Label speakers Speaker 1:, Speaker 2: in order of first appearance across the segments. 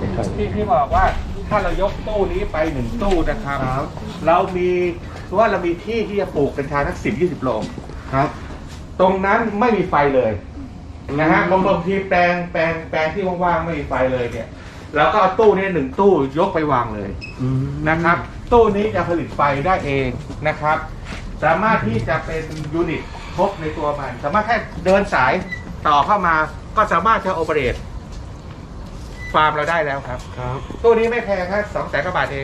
Speaker 1: ที่บอกว่าถ้าเรายกตู้นี้ไป1ตู้นะครับเรามีที่ที่จะปลูกกัญชาทั้ง10-20 โรงครับตรงนั้นไม่มีไฟเลยนะฮะบางทีแปลงที่ว่างๆไม่มีไฟเลยเนี่ยเราก็เอาตู้นี้1ตู้ยกไปวางเลยนะครับตู้นี้จะผลิตไฟได้เองนะครับสามารถที่จะเป็นยูนิตครบในตัวมันสามารถแค่เดินสายต่อเข้ามาก็สามารถจะโอเปเรตฟาร์มเราได้แล้วครับตู้นี้ไม่แพงครับ200,000 กว่าบาทเอง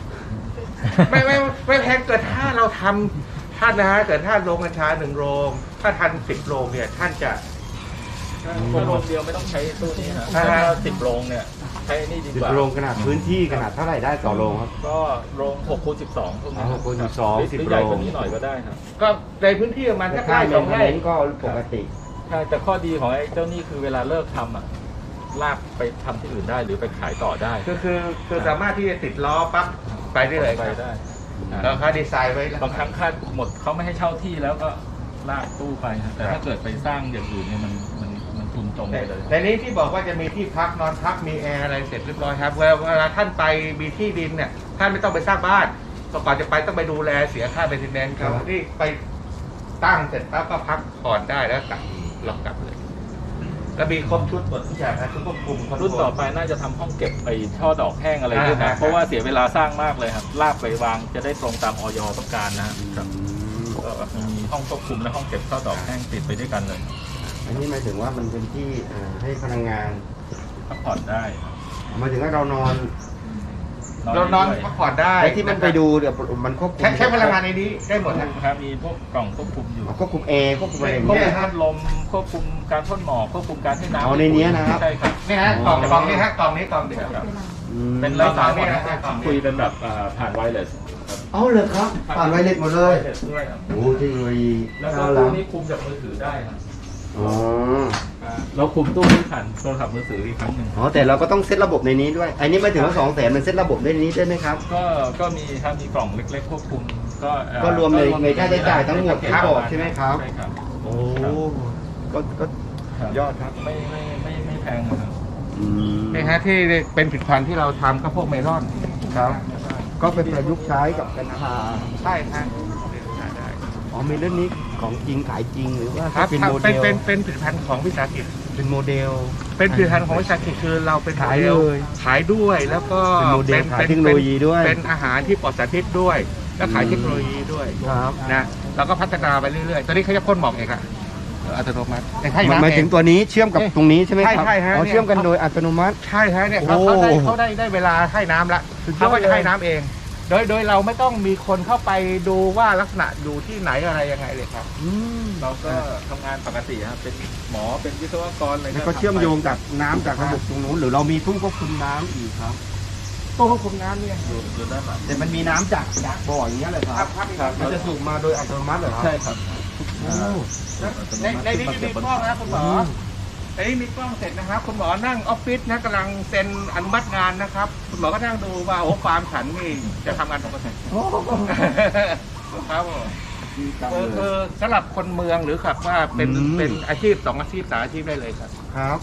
Speaker 1: ไม่แพงเกิดถ้าเราทำท่านนะฮะเกิดถ้าโรงกัญชา1 โรงถ้าทัน10 โรงเนี่ยท่านจะ
Speaker 2: โรงเดียวไม่ต้องใช้ตู้นี้นะถ้า10 โรงเนี่ยใช้นี่ดีกว่า
Speaker 3: 10 โรงขนาดพื้นที่ขนาดเท่าไหร่ได้ต่อโรงครับ
Speaker 2: ก็โรง6x12พวกนี้
Speaker 3: 6x12
Speaker 2: 10 โรงใหญ่กว่านี้หน่อยก็ได้ครับ
Speaker 1: ก็ในพื้นที่ประมาณสักไร่2 ไร่
Speaker 3: ก็ปกติ
Speaker 2: ใช่แต่ข้อดีของไอ้เจ้านี่คือเวลาเลิกทำลากไปทำที่อื่นได้หรือไปขายต่อได้
Speaker 1: คือสามารถที่จะติดล้อปั๊บไปได้เลย
Speaker 2: ไปได้
Speaker 1: แล้วเขาดีไซน์ไว้
Speaker 2: บางครั้งค่าหมดเขาไม่ให้เช่าที่แล้วก็ลากตู้ไปแต่ถ้าเกิดไปสร้างอย่างอื่นเนี่ยมันทุนตรงไปเลย
Speaker 1: แต่นี้ที่บอกว่าจะมีที่พักนอนพักมีแอร์อะไรเสร็จเรียบร้อยครับเวลาท่านไปมีที่ดินเนี่ยท่านไม่ต้องไปสร้างบ้านก่อนจะไปต้องไปดูแลเสียค่าเบนซินแนนครับที่ไปตั้งเสร็จปั๊บก็พักผ่อนได้แล้วกลับล็อกกลับเลยแล้วมีครบชุดหมดทุกอย่างนะชุดควบคุม
Speaker 2: รุ่นต่อไปน่าจะทำห้องเก็บไปช่อดอกแห้งอะไรด้วยนะเพราะว่าเสียเวลาสร้างมากเลยครับลากไปวางจะได้ตรงตามอย.ต้องการนะครับก็มีห้องควบคุมและห้องเก็บช่อดอกแห้งติดไปด้วยกันเลย
Speaker 3: อันนี้หมายถึงว่ามันเป็นที่ให้พลังงาน
Speaker 2: พักผ่อนได้
Speaker 3: หมายถึงว่าเรานอน
Speaker 1: พักผ่อนได้
Speaker 3: ที่มันไปดูเดี๋ยวมันควบคุม
Speaker 1: ใช้พลังงานในนี้ได้หมด
Speaker 2: นะครับมีพวกกล่องควบคุมอยู่
Speaker 3: ควบคุมแอร์ควบคุมอะไร
Speaker 2: ควบคุมพัดลมควบคุมการพ่นหมอกควบคุมการให้น้ำ
Speaker 3: เอาในนี้นะครับ
Speaker 1: ใช่ครับนี่ฮะกล่องนี้ฮะกล่องนี้เดียว
Speaker 2: เป็นไร้สายหมดนะคุยเป็นแบบผ่านไวเลส
Speaker 3: เอาเลยครับผ่านไวเลสหมดเลยโอ้เทคโนโลยี
Speaker 2: แล้วก็ตู้นี้คุมจากมือถือได้ครับเราคุมตู้ที่ผ่านโทรศัพท์มือถืออีกครั้งหนึ่ง
Speaker 3: แต่เราก็ต้องเซตระบบในนี้ด้วยอันนี้ไม่ถึงว่า200,000มันเซตระบบในนี้ได้ไหมครับ
Speaker 2: ก็มีครับมีกล่องเล็กๆควบคุม
Speaker 3: ก็รวมในค่าใช้จ่ายทั้งหมดที่บอกใช่ไหมครับ
Speaker 2: ใช่ครับ
Speaker 3: โอ้ก็ยอดครับ
Speaker 2: ไม่แพงนะครับ
Speaker 1: นี่ฮะที่เป็นผลิตภัณฑ์ที่เราทำก็พวกเมลอน
Speaker 3: ครับก็เป็นประยุกต์ใช้กับกัญชา
Speaker 1: ใช่ครับ
Speaker 3: เมลอนนี้ของจริงขายจริงหรือว่า
Speaker 1: เป็นโมเดลเป็นผลิตภัณฑ์ของวิสาหกิจ
Speaker 3: เป็นโมเดล
Speaker 1: เป็นผลิตภัณฑ์ของวิสาหกิจคือเราเป็นขายเลยขายด้วยแล้วก็
Speaker 3: เป็นโมเดลขายเทคโนโลยีด้วย
Speaker 1: เป็นอาหารที่ปลอดสารพิษด้วยแล้วขายเทคโนโลยีด้วย
Speaker 3: ครับ
Speaker 1: นะเราก็พัฒนาไปเรื่อยๆตอนนี้เขาจะพ่นหมอกเองอะอัตโนมัติ
Speaker 3: หมายถึงตัวนี้เชื่อมกับตรงนี้ใช่ไหมครับ
Speaker 1: ใช่ฮะ
Speaker 3: เชื่อมกันโดยอัตโนมัติ
Speaker 1: ใช่ฮะเนี่ยเขาได้เวลาให้น้ำละเขาก็จะให้น้ำเองโดยเราไม่ต้องมีคนเข้าไปดูว่าลักษณะอยู่ที่ไหนอะไรยังไงเลยครับ
Speaker 2: เราก็ทำงานปกติครับเป็นหมอเป็นวิศวกรอะไร
Speaker 3: ก็เชื่อมโยงจากน้ำจากระบบตรงนู้นหรือเรามีตู้ควบคุมน้ำอีกครับ
Speaker 1: ตู้ควบคุมน้ำเนี่ย
Speaker 2: อยู่ด้านหลัง
Speaker 3: แต่มันมีน้ำจากบ่ออย่างเงี้ยเลยครับมันจะสูบมาโดยอัตโนมัติเหรอครับ
Speaker 2: ใช่ครับ
Speaker 1: ในนี้มีกล้องนะคุณหมอในนี้มีกล้องเสร็จนะครับคุณหมอนั่งออฟฟิศนะกำลังเซ็นอนุมัติงานนะครับคุณหมอก็นั่งดูว่าฟาร์มฉันนี่จะทำงานปกติครับสำหรับคนเมืองหรือครับว่าเป็นอาชีพ2 อาชีพ3 อาชีพได้เลยครับ
Speaker 3: ครับ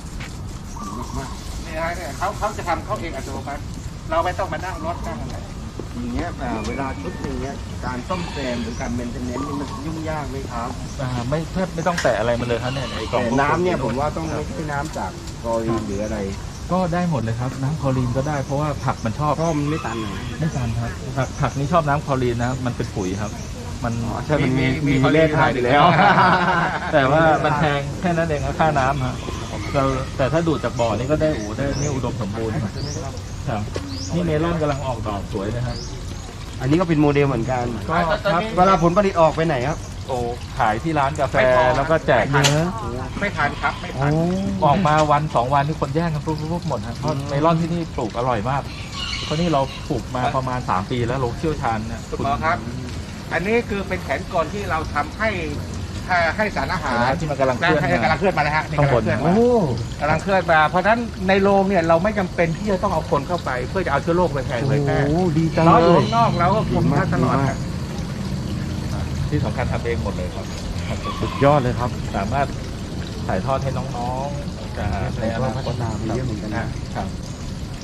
Speaker 1: นี่ฮะเนี่ยเขาจะทำเขาเองอัตโนมัติเราไม่ต้องมานั่งรถนั่งอะไร
Speaker 3: อย่างเงี้ยเวลาชุดอย่างเงี้ยการซ่อมแซมหรือการเมนเทนเนนซ์นี่มันยุ่งยากไหมครับ
Speaker 2: ไม่ต้องแตะอะไรมันเลยครับเนี่ยไอ้กล่อง
Speaker 3: น้ำเนี่ยผมว่าต้องไม่ใช่น้ำจากกอรีนหรืออะไร
Speaker 2: ก็ได้หมดเลยครับน้ำคลอรีนก็ได้เพราะว่าผักมันชอบ
Speaker 3: ก็มันไม่ตัน
Speaker 2: ไม่ตันครับผักนี่ชอบน้ำคลอรีนนะมันเป็นปุ๋ยครับมัน
Speaker 3: ใช่มันมีเลขขายอยู่แล้ว
Speaker 2: แต่ว่ามันแพงแค่นั้นเองค่าน้ำฮะแต่ถ้าดูดจากบ่อนี่ก็ได้นี่อุดมสมบูรณ์ครับนี่เมลอนกำลังออกดอกสวยนะครับ
Speaker 3: อันนี้ก็เป็นโมเดลเหมือนกันก็เวลาผลผลิตออกไปไหนครับ
Speaker 2: ขายที่ร้านกาแฟแล้วก็แจกเนื้อ
Speaker 1: ไม่ทานครับไม่ทาน
Speaker 2: ออกมาวัน2 วันที่คนแย่งกันปุ๊บหมดครับเพราะเมลอนที่นี่ปลูกอร่อยมากเพราะนี่เราปลูกมาประมาณ3 ปีแล้วเราเชี่ยวชาญเนี่ย
Speaker 1: คุณหมอครับอันนี้คือเป็นแผนกลที่เราทำให้สารอาหาร
Speaker 2: ที่มันกำลังเคลื่
Speaker 1: อนมาแล้วฮะกำลังเคลื่อนมาเพราะฉะนั้นในโรงเนี่ยเราไม่จำเป็นที่จะต้องเอาคนเข้าไปเพื่อจะเอาเชื้อโรคไปแพร่
Speaker 3: ดีจัง
Speaker 1: เลยอยู่ข้างนอกเราก็คุมท่าตลอด
Speaker 2: ที่สำคัญทำเองหมดเลยครับ
Speaker 3: สุดยอดเลยครับ
Speaker 2: สามารถถ่ายทอดให้น้องๆในอนาคต
Speaker 3: มีเยอะเหมือนกัน
Speaker 2: นะครับ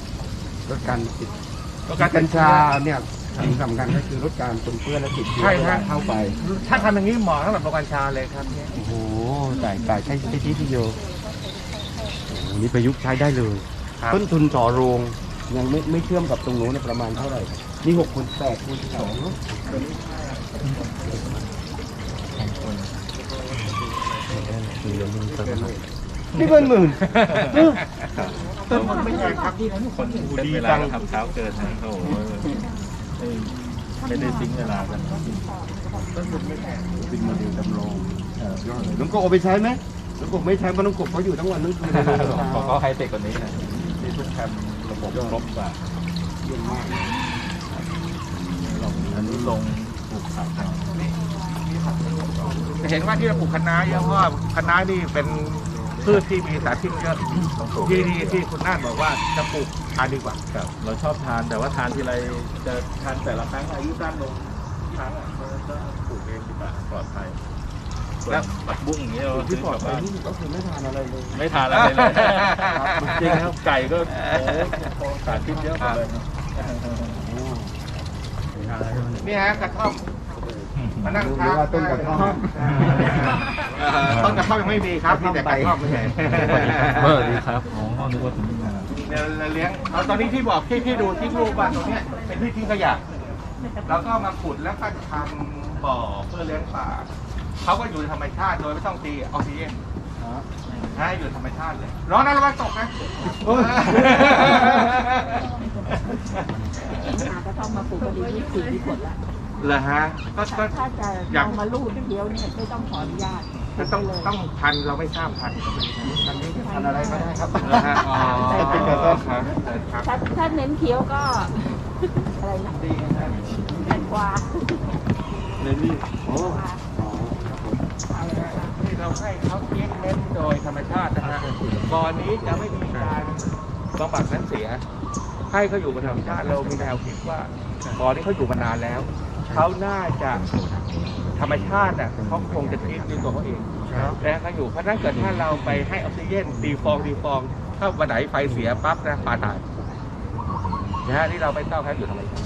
Speaker 3: ลดการติด
Speaker 1: ลดการติ
Speaker 3: กั
Speaker 1: ด
Speaker 3: ญชาเนี่ยสิ่งสำคัญก็คือลดการปนเปื้อนและติดเชื้อ
Speaker 1: ใช่
Speaker 3: เว
Speaker 1: ครั
Speaker 3: ลา
Speaker 1: บ
Speaker 3: เข้าไป
Speaker 1: ถ้าทำอย่างนี้เหมาะสำหรับโรงกัญชาเลยครับเนี่ย
Speaker 3: โอ้โหแต่ใช้ที่ที่โยโอ้โหนี่ประยุกต์ใช้ได้เลย
Speaker 1: ครับ
Speaker 3: ต้นทุนต่อโรงยังไม่เชื่อมกับตรงนู้นเนยประมาณเท่าไหร่นี่6 คูณ 8 คูณ 12เนอะนี่เป็นหมื่น
Speaker 1: ต้นทุนไม่ใช่ครับที่
Speaker 2: คนเป็นเวลาก็ทำเช้าเกินนะโอ้โหไม่ได้ทิ้งเวลากัน
Speaker 3: เป็นโมเดลจำลองยอดเลยน้องกบเอาไปใช้ไหมน้องกบไม่ใช้เพราะน้องกบเขาอยู่ทั้งวันทั้งคืนเลย
Speaker 2: ของเขาไฮเทคกว่านี้นะที่ทุกแคมระบบครบกว่า
Speaker 3: เยี่ยมมาก
Speaker 2: อันนี้ลงปลูกผักเอา
Speaker 1: จะเห็นว่าที่เราปลูกคะน้าเยอะเพราะว่าคะน้านี่เป็นพืชที่มีสารพิษเยอะที่คุณน่านบอกว่าจะปลูกทานดีกว่า
Speaker 2: ครับเราชอบทานแต่ว่าทานทีไรจะทานแต่ละครั้งอายุสั้นลงทุกครั้งอ่ะก็ปลูกเองดีกว่าปลอดภัยแล้วผักบุ้งอย่างเงี้ยเรา
Speaker 3: ที่
Speaker 2: ซื้อ
Speaker 3: ปลอด
Speaker 2: กลับ
Speaker 3: ภัย
Speaker 2: บ้าน
Speaker 3: ที่สุดก็คือไม่ทานอะไรเลย
Speaker 2: ไม่ทานอะไรเลยจริงครับไก่ก็โอ้สารพิษเยอะหมดเลยนะ
Speaker 1: นี่ฮะกระท่อมมานั่ง
Speaker 3: ดู
Speaker 1: ทาน
Speaker 3: ว่าต้นกระท่อม
Speaker 1: ต้นกระท่อมยังไม่มีครับมีแต่กระท่อมไม่ใช่
Speaker 2: ดีครับอ๋อนึกว่าถึงงาน
Speaker 1: เดี๋ยวเราเลี้ยงเอาตอนนี้ที่บอกที่ดูที่รูปบ้านตรงเนี้ยเป็นที่ทิ้งขยะแล้วก็มาขุดแล้วก็ทำบ่อเพื่อเลี้ยงปลาเขาก็อยู่ในธรรมชาติโดยไม่ต้องตีออกซิเจนให้อยู่ธรรมชาติเลยร้อนนะระวังตกนะ
Speaker 4: หากระท่อมมาปลูกก็ดี24ที่ผลละ
Speaker 1: เหรอฮะก็
Speaker 4: ถ้าจะ
Speaker 1: อยาก
Speaker 4: เอามาลูดเดียวเนี่ยไม่ต้องขออนุญาต
Speaker 1: ต้องพันเราไม่ทราบพัน
Speaker 3: ทานอะไรก็ได้ครับ
Speaker 1: เหรอฮะอ๋อเป็นกระต้นครับครับ
Speaker 4: ถ้าเน้นเคี้ยวก็ อะไรนะแตงกวา
Speaker 3: เลยนี่โอ้
Speaker 1: ที่เราให้เขาเลี้ยงเน้นโดยธรรมชาตินะฮะบ่อนี้จะไม่มีการบำบัดน้ำเสีย ให้เขาอยู่บนธรรมชาติเรามีแนวคิดว่าบ่อนี้เขาอยู่มานานแล้วเขาน่าจะธรรมชาติอ่ะเขาคงจะคิดด้วยตัวเขาเองแล้วเขาอยู่เพราะฉะนั้นเกิดถ้าเราไปให้ออกซิเจนตีฟองถ้าวันไหนไฟเสียปั๊บนะปลาตายนะฮะนี่เราไม่ต้องให้อยู่ธรรมชาติ